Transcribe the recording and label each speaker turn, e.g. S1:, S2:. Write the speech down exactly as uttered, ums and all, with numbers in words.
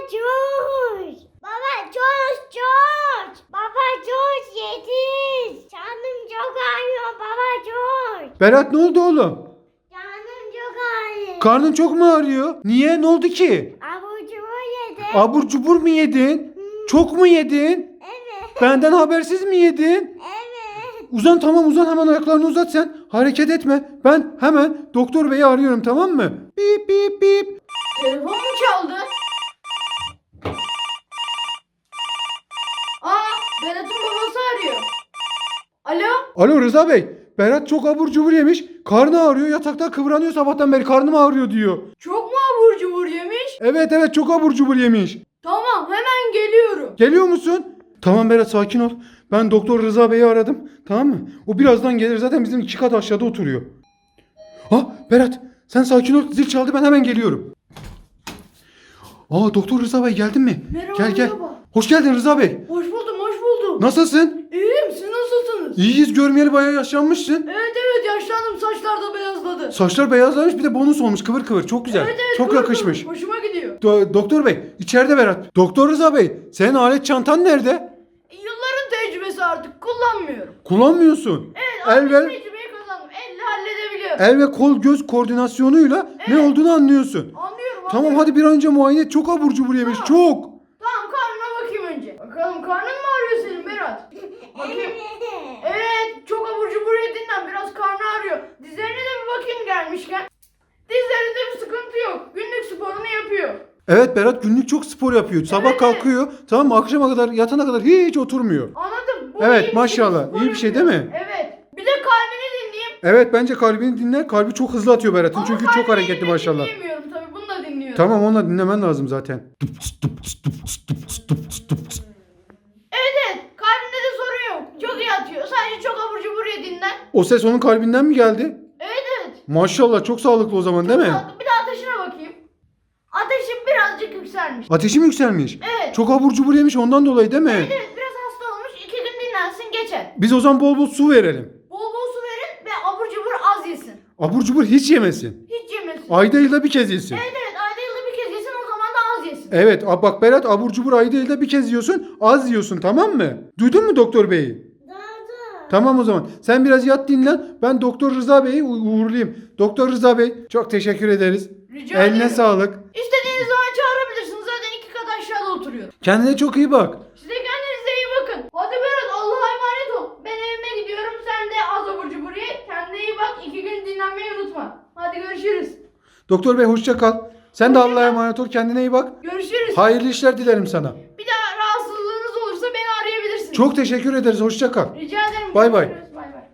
S1: George. Baba George George. Baba George yetiş. Canım çok ağrıyor baba George.
S2: Berat ne oldu oğlum?
S1: Canım çok ağrıyor.
S2: Karnın çok mu ağrıyor? Niye? Ne oldu ki?
S1: Abur cubur yedim.
S2: Abur cubur mu yedin? Çok mu yedin?
S1: Evet.
S2: Benden habersiz mi yedin?
S1: Evet.
S2: Uzan, tamam, uzan, hemen ayaklarını uzat sen. Hareket etme. Ben hemen doktor beyi arıyorum, tamam mı? Bip bip bip.
S3: Telefon mu çaldı? Aa, Berat'ın babası arıyor. Alo?
S2: Alo Rıza Bey. Berat çok abur cubur yemiş. Karnı ağrıyor. Yatakta kıvranıyor sabahtan beri. Karnım ağrıyor diyor.
S3: Çok mu abur cubur yemiş?
S2: Evet evet, çok abur cubur yemiş.
S3: Tamam, hemen geliyorum.
S2: Geliyor musun? Tamam Berat, sakin ol. Ben Doktor Rıza Bey'i aradım. Tamam mı? O birazdan gelir. Zaten bizim iki kat aşağıda oturuyor. Ha Berat, sen sakin ol. Zil çaldı, ben hemen geliyorum. Aa, Doktor Rıza Bey geldin mi?
S3: Merhaba,
S2: Gel gel.
S3: merhaba.
S2: Hoş geldin Rıza Bey.
S3: Hoş buldum, hoş buldum.
S2: Nasılsın?
S3: İyiyim, siz nasılsınız?
S2: İyiyiz, görmeyeli bayağı yaşlanmışsın.
S3: Evet evet, yaşlandım, saçlar da beyazladı.
S2: Saçlar beyazlamış, bir de bonus olmuş, kıvır kıvır. Çok güzel.
S3: Evet evet,
S2: Çok
S3: kıvır
S2: yakışmış.
S3: kıvır, hoşuma gidiyor.
S2: Do- Doktor Bey, içeride Berat. Doktor Rıza Bey, senin alet çantan nerede?
S3: E, Yılların tecrübesi artık, kullanmıyorum.
S2: Kullanmıyorsun.
S3: Evet,
S2: El
S3: artık
S2: ve,
S3: tecrübeyi kazandım. Elle halledebiliyorum.
S2: el ve kol göz koordinasyonuyla ne
S3: Evet.
S2: olduğunu anlıyorsun.
S3: Anlıyorum,
S2: Tamam,
S3: anlıyorum.
S2: hadi bir an önce muayene et. Çok abur cubur yemiş,
S3: Tamam.
S2: çok.
S3: Tamam, karnına bakayım önce. Bakalım, karnın mı ağrıyor senin Berat? Bakayım. Evet, çok abur cubur yediğinden biraz karnı ağrıyor. Dizlerine de bir bakayım gelmişken. Dizlerinde bir sıkıntı yok. Günlük sporunu yapıyor.
S2: Evet Berat, günlük çok spor yapıyor. Sabah
S3: Evet,
S2: kalkıyor, tamam mı, akşama kadar, yatana kadar hiç oturmuyor.
S3: Anladım. Bu
S2: Evet,
S3: iyi bir
S2: maşallah.
S3: spor
S2: İyi bir şey
S3: yapıyor.
S2: değil mi?
S3: Evet. Bir de kalbini dinleyeyim.
S2: Evet, bence kalbini dinle. Kalbi çok hızlı atıyor Berat'ın,
S3: Ama
S2: çünkü çok
S3: kalbini
S2: hareketli
S3: dinleyeyim,
S2: maşallah.
S3: dinleyemiyorum tabii. Bunu da dinliyorum.
S2: Tamam, onu da dinlemen lazım zaten.
S3: Evet evet. Kalbinde de sorun yok. Çok iyi atıyor. Sadece çok abur cubur yediğinden.
S2: O ses onun kalbinden mi geldi?
S3: Evet evet.
S2: Maşallah, çok sağlıklı o zaman, değil mi?
S3: Bir de ateşine bakayım. Ateşim birazcık yükselmiş.
S2: Ateşi mi yükselmiş?
S3: Evet.
S2: Çok abur cubur yemiş, ondan dolayı değil mi?
S3: Evet evet, biraz hasta olmuş. İki gün dinlensin geçer.
S2: Biz o zaman bol bol su verelim.
S3: Bol bol su verin ve abur cubur az yesin.
S2: Abur cubur hiç yemesin.
S3: Hiç yemesin.
S2: Ayda yılda bir kez yesin.
S3: Evet evet, ayda yılda bir kez yesin, o zaman da az yesin.
S2: Evet, a- bak Berat, abur cubur ayda yılda bir kez yiyorsun, az yiyorsun, tamam mı? Duydun mu doktor beyi?
S1: Dadı.
S2: Tamam o zaman. Sen biraz yat, dinlen. Ben Doktor Rıza Bey'i u- uğurlayayım. Doktor Rıza Bey, çok teşekkür ederiz.
S3: Rica
S2: Eline
S3: ederim.
S2: sağlık.
S3: İstediğiniz zaman çağırabilirsiniz. Zaten iki kat aşağıda oturuyorum.
S2: Kendine çok iyi bak.
S3: Size kendinize iyi bakın. Hadi Berat, Allah'a emanet ol. Ben evime gidiyorum. Sen de az abur cubur ye. Kendine iyi bak. İki gün dinlenmeyi unutma. Hadi görüşürüz.
S2: Doktor Bey, hoşça kal. Sen de
S3: Hoşça
S2: Allah'a
S3: kal.
S2: emanet ol. Kendine iyi bak.
S3: Görüşürüz.
S2: Hayırlı işler dilerim sana.
S3: Bir daha rahatsızlığınız olursa beni arayabilirsiniz.
S2: Çok teşekkür ederiz. Hoşça kal.
S3: Rica ederim.
S2: Bay bay.
S3: Görüşürüz.